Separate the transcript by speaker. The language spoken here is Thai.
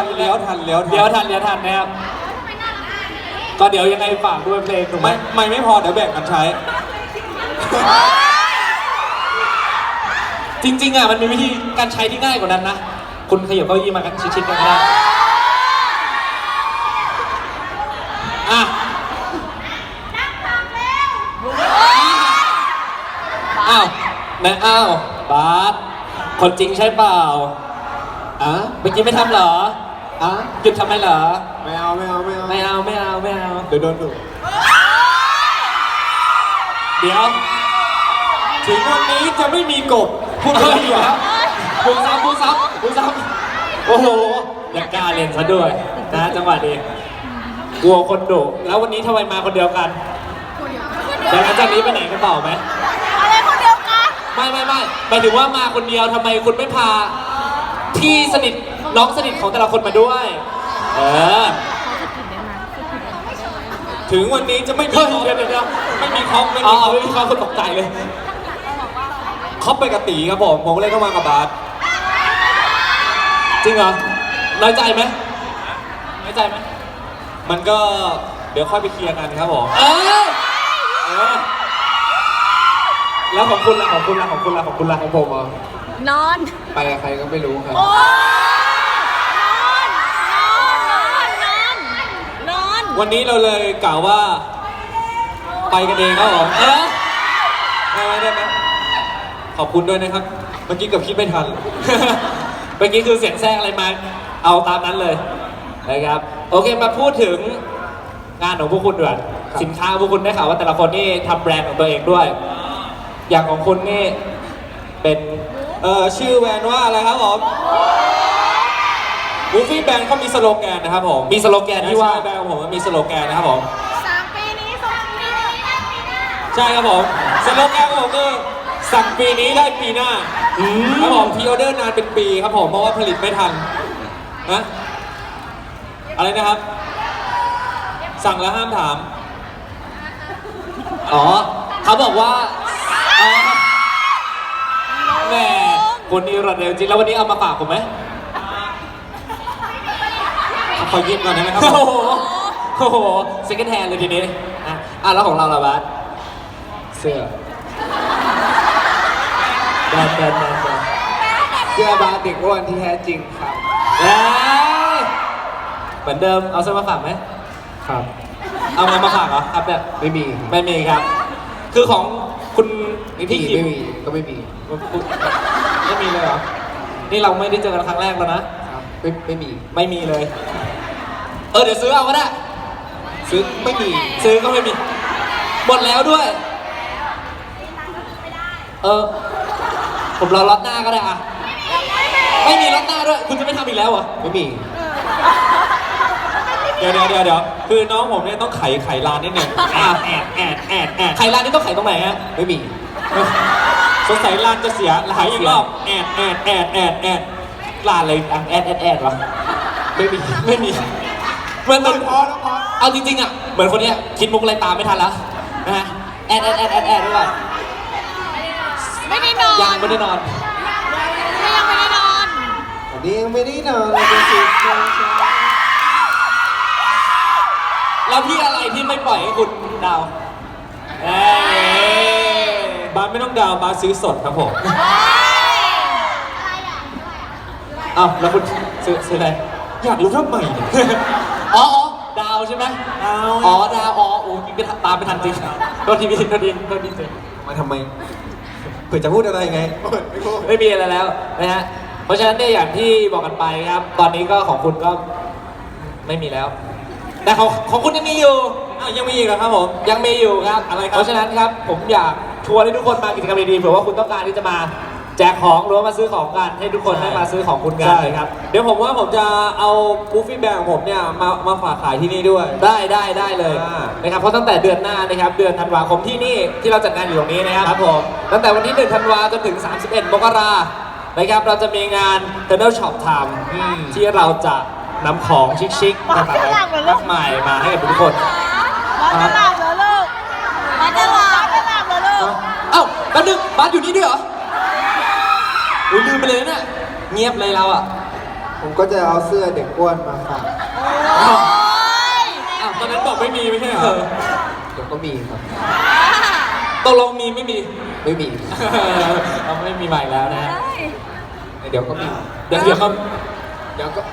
Speaker 1: ทันเลี้ยวทันนะครับก็เดี๋ยวยังไงฝากด้วยเพลงถูกไหมไม่พอเดี๋ยวแบ่งกันใช้จริงๆอ่ะมันมีวิธีการใช้ที่ง่ายกว่านั้นนะคุณขยับเก้าอี้มากันชิดๆกันก็ได้อ่ะอ้าวนะอ้าวบาสคนจริงใช่เปล่าอ่ะเมื่อกี้ไม่ทำเหรออ่ะหยุดทำไมเหรอไม่เอาเดี๋ยวโดนดุเดี๋ยวถึงวันนี้จะไม่มีกบพูดอะไรอยู่ครับพูดซ้ำโอ้โหอยากกล้าเล่นซะด้วยนะจังหวะนี้กลัวคนดุแล้ววันนี้ทำไมมาคนเดียวกันเดี๋ยวหลังจากนี้ไปไหนกันต่อไหม
Speaker 2: อะไรคนเดียวกัน
Speaker 1: ไม่หมายถึงว่ามาคนเดียวทำไมคุณไม่พาพี่สนิทน้องสนิทของแต่ละคนมาด้วยถึงวันนี้จะไม่มีคอมไม่มีคอมคนตกใจเลยเขาไปกับตีครับผมเลยต้องมากับบาสจริงเหรอน้อยใจไหมมันก็เดี๋ยวค่อยไปเคลียร์กันครับผมแล้วของคุณล่ะของผม
Speaker 2: นอน
Speaker 1: ไปกับใครก็ไม่รู้ครับ
Speaker 2: นอน
Speaker 1: วันนี้เราเลยกล่าวว่าไปกันเองครับผมได้ไหมขอบคุณด้วยนะครับเมื่อกี้เกือบคิดไม่ทันเมื่อกี้คือเสียงแทรกอะไรมาเอาตามนั้นเลยนะครับโอเคมาพูดถึงงานของพวกคุณด้วยสินค้าพวกคุณได้ข่าวว่าแต่ละคนนี่ทำแบรนด์ของตัวเองด้วยอย่างของคุณนี่เป็นชื่อแบรนด์ว่าอะไรครับผมบูฟี่แบรนด์เขามีสโลแกนนะครับผมมีสโลแกนที่ว่าแบรนด์ของผมมีสโลแกนนะครับผม
Speaker 2: 3 ปีนี้2 ปีนี้ได้ปีหน้า
Speaker 1: ใช่ครับผมสโลแกนของผมคือสั่งปีนี้ได้ปีหน้าครับผมพีออเดอร์นานเป็นปีครับผมเพราะว่าผลิตไม่ทันนะอะไรนะครับสั่งแล้วห้ามถามเขาบอกว่าแหมคนนี้รวดเร็วจริงแล้ววันนี้เอามาฝากผมไหมขอยืมก่อนได้ไหมครับโอ้โหเซ็กแฮนด์เลยทีนี้แล้วของเราล่ะบาสเสื้อแบนเสื้อบาสเด็กอ้วนที่แท้จริงครับเหมือนเดิมเอาเสื้อมาฝากไหมครับเอาเงินมาฝากเหรอครับเนี่ยไม่มีครับคือของคุณพี่คิมไม่มีเลยเหรอนี่เราไม่ได้เจอกันครั้งแรกแล้วนะครับไม่มีเลยเดี๋ยวซื้อเอาก็ได้ซื้อก็ไม่มีหมดแล้วด้วยผมรอล็อตหน้าก็ได้อะไม่มีล็อตหน้าด้วยคุณจะไม่ทำอีกแล้วเหรอไม่มีเดี๋ยวคือน้องผมเนี่ยต้องไขร้านนิดหนึ่งไขร้านนี่ต้องไขตรงไหนฮะไม่มีสงสัยร้านจะเสียหลายอีกรอบร้านเลยแอดวะไม่มีเหมือนพอเอาจริงๆอ่ะเหมือนคนเนี้ยคิดมุกอะไรตามไม่ทันแล้วนะฮะแอดด้วย
Speaker 2: ไม่ได้นอน
Speaker 1: ยังไม่ได้นอน
Speaker 2: วันนี้ยังไม่ได้นอน
Speaker 1: เลยเป็นสิแล้วพี่อะไรที่ไม่ปล่อยให้คุณดาวบาสไม่ต้องดาวบาสซื้อสดครับผมแล้วคุณซื้ออะไรอยากรู้ทำไมดาวใช่ไหมดาวโอ้กินตามไม่ทันจริงโทษทีจริงมาทำไมเผื่อจะพูดอะไรไงไม่มีอะไรแล้วนะฮะเพราะฉะนั้นเนี่ยอย่างที่บอกกันไปครับตอนนี้ก็ของคุณก็ไม่มีแล้วแต่ของคุณยังมีอยู่ยังมีอีกเหรอครับผมยังมีอยู่ครับอะไรครับเพราะฉะนั้นครับผมอยากชวนให้ทุกคนมากิจกรรมดีๆเผื่อว่าคุณต้องการที่จะมาแจกของหรือว่ามาซื้อของกันให้ทุกคนได้มาซื้อของคุณกันเลยครับเดี๋ยวผมว่าผมจะเอาบูฟฟี่แบงของผมเนี่ยมาฝากขายที่นี่ด้วยได้เลยนะครับเพราะตั้งแต่เดือนหน้านะครับเดือนธันวาคมที่นี่ที่เราจัดงานอยู่ตรงนี้นะครับผมตั้งแต่วันที่1 ธันวาจนถึง31 มกรานะครับเราจะมีงาน Tunnel Shop Time ที่เราจะนำของชิคๆต่างๆมากมายมาให้กับทุกคน
Speaker 2: มาจะหลับเหรอลูก
Speaker 1: แป๊บนึงบาสอยู่นี่ด้วยเหรอลืมไปเลยเนี่ยเงียบเลยเรา
Speaker 2: ผมก็จะเอาเสื้อเด็กอ้วนมาฝาก
Speaker 1: อ้าวตอนนั้นบอกไม่มีไม่ใช่เหรอ
Speaker 2: เดี๋ยวก็มีครับ
Speaker 1: ตกลงมีไม่มี
Speaker 2: ไม่มี
Speaker 1: เราไม่มีใหม่แล้วนะ
Speaker 2: เดี๋ยวก็มี
Speaker 1: เดี๋ยวครับ
Speaker 2: เดี๋ยวก็